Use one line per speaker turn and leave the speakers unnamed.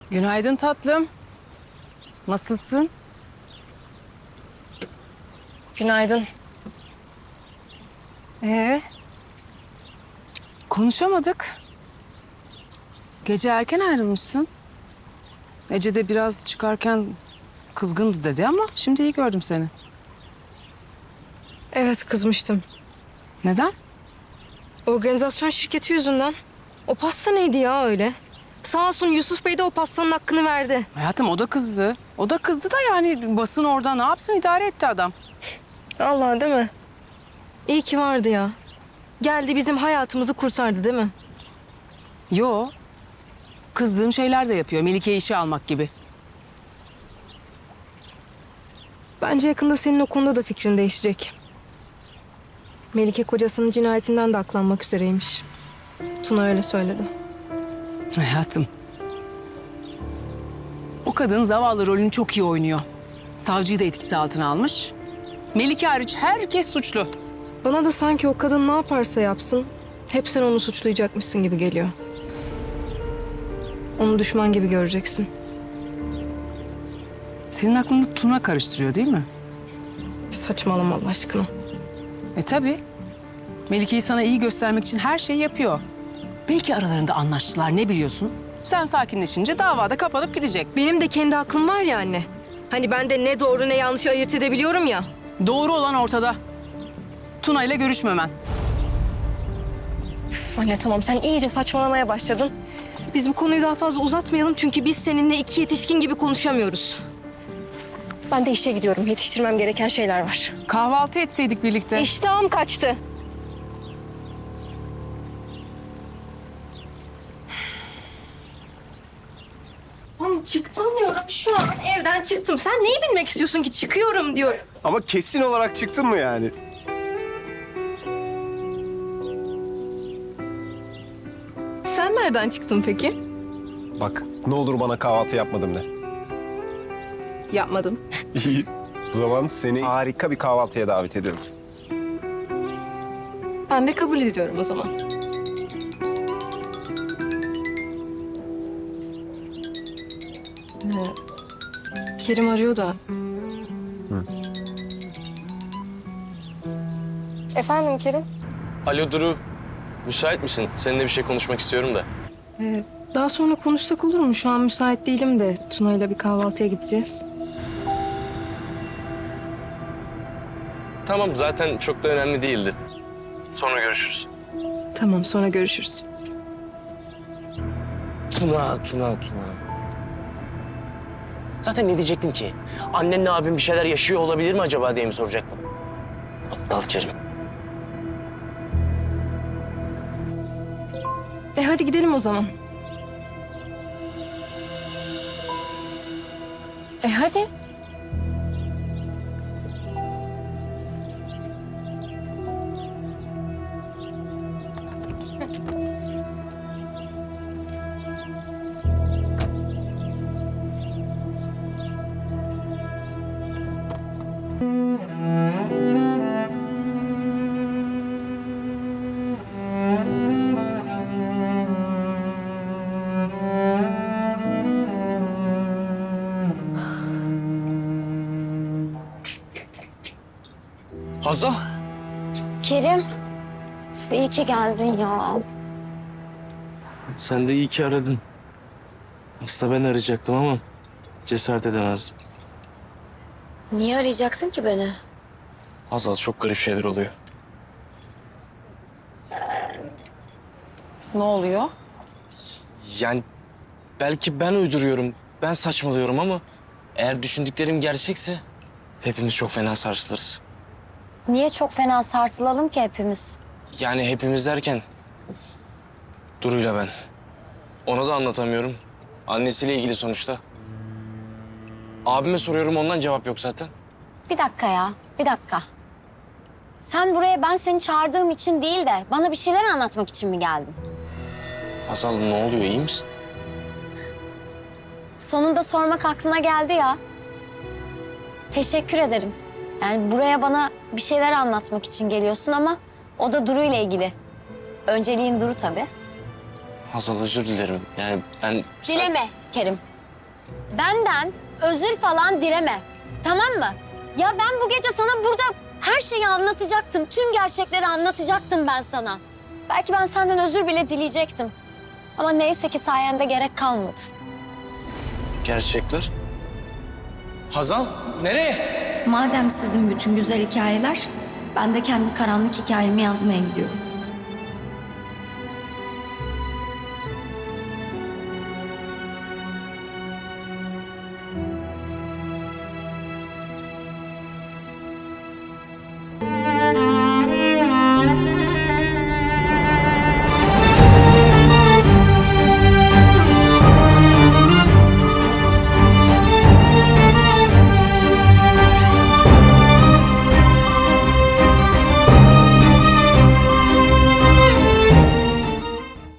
Günaydın tatlım. Nasılsın?
Günaydın.
Konuşamadık. Gece erken ayrılmışsın. Ece de biraz çıkarken kızgındı dedi ama şimdi iyi gördüm seni.
Evet, kızmıştım.
Neden?
Organizasyon şirketi yüzünden. O pasta neydi ya öyle? Sağ olsun Yusuf Bey de o pastanın hakkını verdi.
Hayatım o da kızdı. O da kızdı da yani basın orada ne yapsın idare etti adam.
Allah, değil mi? İyi ki vardı ya. Geldi bizim hayatımızı kurtardı, değil mi?
Yo. Kızdığım şeyler de yapıyor. Melike'yi işe almak gibi.
Bence yakında senin o konuda da fikrin değişecek. Melike kocasının cinayetinden de aklanmak üzereymiş. Tuna öyle söyledi.
Hayatım. O kadın zavallı rolünü çok iyi oynuyor. Savcıyı da etkisi altına almış. Melike hariç herkes suçlu.
Bana da sanki o kadın ne yaparsa yapsın, hep sen onu suçlayacakmışsın gibi geliyor. Onu düşman gibi göreceksin.
Senin aklını Tuna karıştırıyor değil mi?
Saçmalama Allah aşkına.
Tabii. Melike'yi sana iyi göstermek için her şeyi yapıyor. Belki aralarında anlaştılar, ne biliyorsun? Sen sakinleşince davada kapanıp gidecek.
Benim de kendi aklım var ya anne. Hani ben de ne doğru ne yanlışı ayırt edebiliyorum ya.
Doğru olan ortada. Tuna ile görüşmemen.
Üf, anne tamam, sen iyice saçmalamaya başladın. Biz bu konuyu daha fazla uzatmayalım çünkü biz seninle iki yetişkin gibi konuşamıyoruz. Ben de işe gidiyorum. Yetiştirmem gereken şeyler var.
Kahvaltı etseydik birlikte.
İştahım kaçtı. Oğlum çıktım diyorum. Şu an evden çıktım. Sen neyi bilmek istiyorsun ki çıkıyorum diyorum.
Ama kesin olarak çıktın mı yani?
Sen nereden çıktın peki?
Bak ne olur bana kahvaltı yapmadım de.
Yapmadım.
İyi. O zaman seni harika bir kahvaltıya davet ediyorum.
Ben de kabul ediyorum o zaman. Kerim arıyor da. Efendim Kerim?
Alo Duru, müsait misin? Seninle bir şey konuşmak istiyorum da.
Daha sonra konuşsak olur mu? Şu an müsait değilim de Tuna'yla bir kahvaltıya gideceğiz.
Tamam, zaten çok da önemli değildi. Sonra görüşürüz.
Tamam, sonra görüşürüz.
Tuna. Zaten ne diyecektim ki? Annenle abim bir şeyler yaşıyor olabilir mi acaba diye mi soracaktım? Aptal Kerim.
Hadi gidelim o zaman. Hadi.
Hazal.
Kerim, iyi ki geldin ya.
Sen de iyi ki aradın. Aslında ben arayacaktım ama cesaret edemezdim.
Niye arayacaksın ki beni?
Hazal, çok garip şeyler oluyor.
Ne oluyor?
Yani belki ben uyduruyorum, ben saçmalıyorum ama eğer düşündüklerim gerçekse hepimiz çok fena sarsılırız.
Niye çok fena sarsılalım ki hepimiz?
Yani hepimiz derken Duru'yla ben. Ona da anlatamıyorum. Annesiyle ilgili sonuçta. Abime soruyorum, ondan cevap yok zaten.
Bir dakika ya, bir dakika. Sen buraya ben seni çağırdığım için değil de bana bir şeyler anlatmak için mi geldin?
Hazal, ne oluyor, iyi misin?
Sonunda sormak aklına geldi ya. Teşekkür ederim. Yani buraya bana bir şeyler anlatmak için geliyorsun ama o da Duru ile ilgili. Önceliğin Duru tabii.
Hazal, özür dilerim. Yani ben...
Dileme Kerim. benden özür falan dileme. Tamam mı? Ya ben bu gece sana burada her şeyi anlatacaktım. Tüm gerçekleri anlatacaktım ben sana. Belki ben senden özür bile dileyecektim. Ama neyse ki sayende gerek kalmadı.
Gerçekler? Hazal, nereye?
Madem sizin bütün güzel hikayeler, ben de kendi karanlık hikayemi yazmaya gidiyorum.